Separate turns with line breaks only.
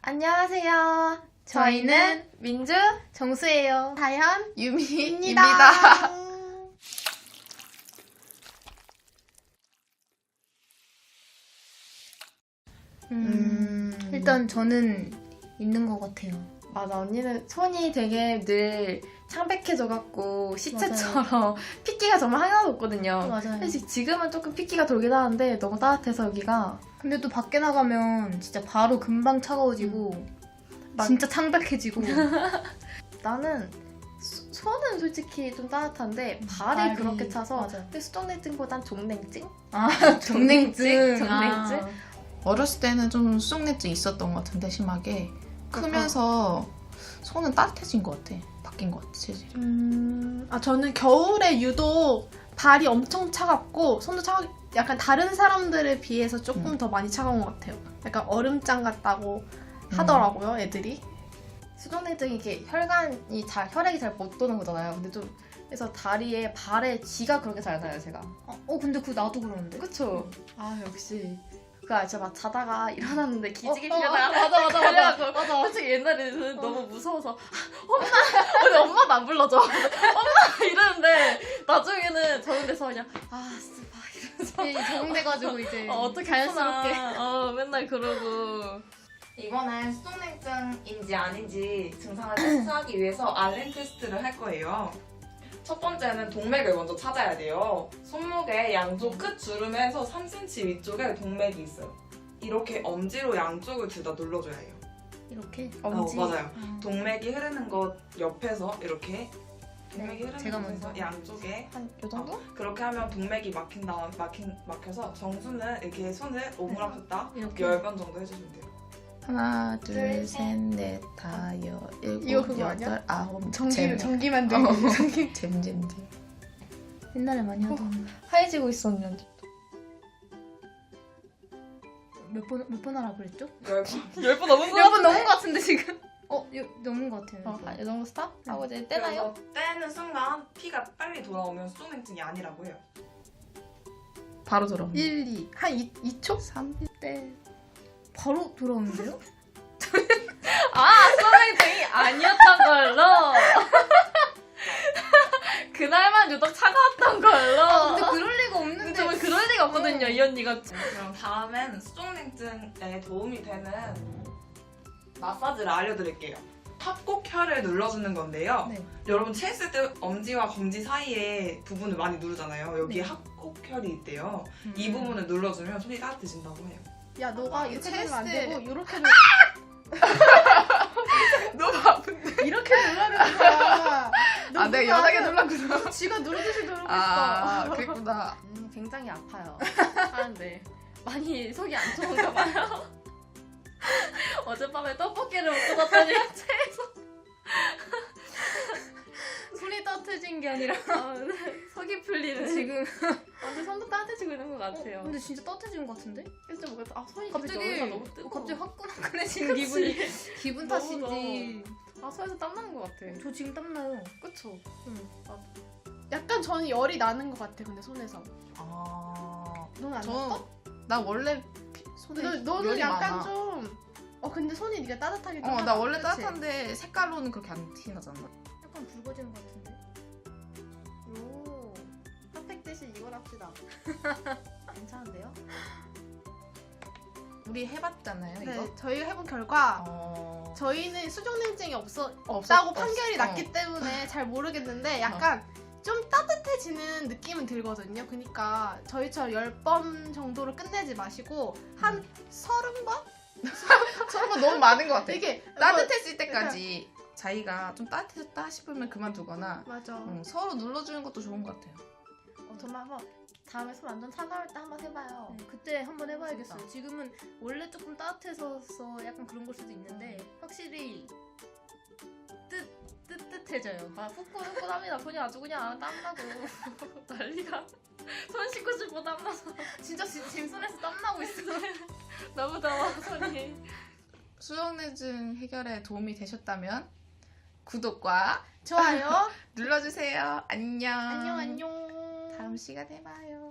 안녕하세요. 저희는 민주,
정수예요.
다현,
유미입니다. 일단 저는 있는 것 같아요.
맞아, 언니는 손이 되게 늘 창백해져갖고 시체처럼 핏기가 정말 하나도 없거든요.
맞아요.
사실 지금은 조금 핏기가 돌긴 하는데 너무 따뜻해서 여기가.
근데 또 밖에 나가면 진짜 바로 금방 차가워지고 진짜 창백해지고.
나는 손은 솔직히 좀 따뜻한데 발이 그렇게 차서
맞아.
근데 수족냉증보단 종냉증?
정냉증.
정냉증?
어렸을 때는 좀 수족냉증 있었던 것 같은데 심하게 크면서 손은 따뜻해진 것 같아. 바뀐 것 같아, 체질이.
저는 겨울에 유독 발이 엄청 차갑고 손도 약간 다른 사람들에 비해서 조금 더 많이 차가운 것 같아요. 약간 얼음장 같다고 하더라고요, 애들이.
수족냉증이 이게 혈액이 잘 못 도는 거잖아요. 근데 좀 그래서 다리에 발에 쥐가 그렇게 잘 나요, 제가.
근데 그거 나도 그러는데.
그쵸? 아 역시. 진짜 막 자다가 일어났는데 기지개
맞아.
그래갖고 맞아. 솔직히 옛날에는 너무 무서워서 근데 엄마도 안 불러줘. 엄마 이러는데 나중에는 저런 데서 그냥 스파 이러면서
적응돼가지고 이제
어떻게
자연스럽게.
맨날 그러고.
이번엔 수족냉증인지 아닌지 증상을 테스트하기 위해서 알렌 테스트를 할 거예요. 첫 번째는 동맥을 먼저 찾아야 돼요. 손목의 양쪽 끝 주름에서 3cm 위쪽에 동맥이 있어요. 이렇게 엄지로 양쪽을 둘 다 눌러줘야 해요.
이렇게.
엄지.
맞아요. 동맥이 흐르는 것 옆에서 이렇게 동맥이 흐르는
제가
곳에서
먼저.
양쪽에
한 요 정도?
그렇게 하면 동맥이 막혀서 정수는 이렇게 손을 오므라폈다
이렇게.
10번 정도 해주시면 돼요.
하나,
둘,
둘, 셋, 넷, 다,
이거
일곱,
그거 아니야?
여덟, 아홉,
전기만 들고.
잼잼잼.
옛날에 많이 하던.
하얘지고 있어 언니.
몇 번 하라 그랬죠?
10번.
10번 넘은 거
몇 번 넘은 것 같은데 지금. 넘은 것 같아요.
이 정도 스탑? 하고 이제 떼나요?
그래서 떼는 순간 피가 빨리 돌아오면 수족냉증이 아니라고 해요.
바로 돌아.
1, 2. 한 2초?
3,
때 바로 돌아오는데요?
수족냉증이 아니었던 걸로. 그날만 유독 차가웠던 걸로.
근데 그럴 리가 없는데.
근데 정말 그럴 리가 없거든요, 이 언니가.
그럼 다음엔 수족냉증에 도움이 되는 마사지를 알려드릴게요. 합곡혈을 눌러주는 건데요.
네.
여러분 체했을 때 엄지와 검지 사이에 부분을 많이 누르잖아요. 여기에
네.
합곡혈이 있대요. 이 부분을 눌러주면 손이 따뜻해진다고 해요.
야, 너가 이렇게 누르면 안 되고 이렇게
너무 아픈데.
이렇게 눌러야 되는 거야.
아, 내가 연하게 눌렀구나.
지가 누르듯이 누르고
아,
있어.
그랬구나.
굉장히 아파요. 하는데 많이 속이 안 좋은가 봐요. 어젯밤에 떡볶이를 먹고 갔더니
손이 따뜻해진 게 아니라
속이 풀리는
지금.
완전 손도 따뜻해지고 있는 것 같아요.
근데 진짜 따뜻해진 것 같은데?
그래서 뭔가 손이
갑자기
너무 뜨거워.
갑자기 화끈화끈해지는 기분이. 기분
너무
탓인지.
손에서 땀 나는 것 같아.
저 지금 땀나요.
그쵸?
약간 저는 열이 나는 것 같아, 근데 손에서.
아,
너는 안 났어?
나 원래 손에
너는
열이
약간
많아.
좀. 근데 손이 네가 따뜻하게 좀
나 원래
그치?
따뜻한데 색깔로는 그렇게 안 티나잖아.
약간 붉어지는 것 같은데?
오, 핫팩 대신 이걸 합시다. 괜찮은데요?
우리 해봤잖아요, 이거.
네, 저희 해본 결과 저희는 수족냉증이 없다고 판결이 났기 때문에 잘 모르겠는데 약간 좀 따뜻해지는 느낌은 들거든요. 그러니까 저희처럼 10번 정도로 끝내지 마시고 한 30번?
서로가 너무 많은 것 같아.
이게
따뜻해질 때까지 자기가 좀 따뜻해졌다 싶으면 그만두거나
맞아.
서로 눌러주는 것도 좋은 것 같아요.
정말 한번 다음에 손 완전 차가울 때 한번 해봐요.
네, 그때 한번 해봐야겠어요. 지금은 원래 조금 따뜻해서 약간 그런 걸 수도 있는데 확실히 뜨뜻해져요.
후끈후끈 합니다. 손이 아주 그냥 땀나고 난리가. 손 씻고 싶고 땀나서
진짜 지금 손에서 땀나고 있어.
너무 더워 손이.
수족냉증 해결에 도움이 되셨다면 구독과
좋아요.
눌러주세요. 안녕.
안녕 안녕.
다음 시간에 봐요.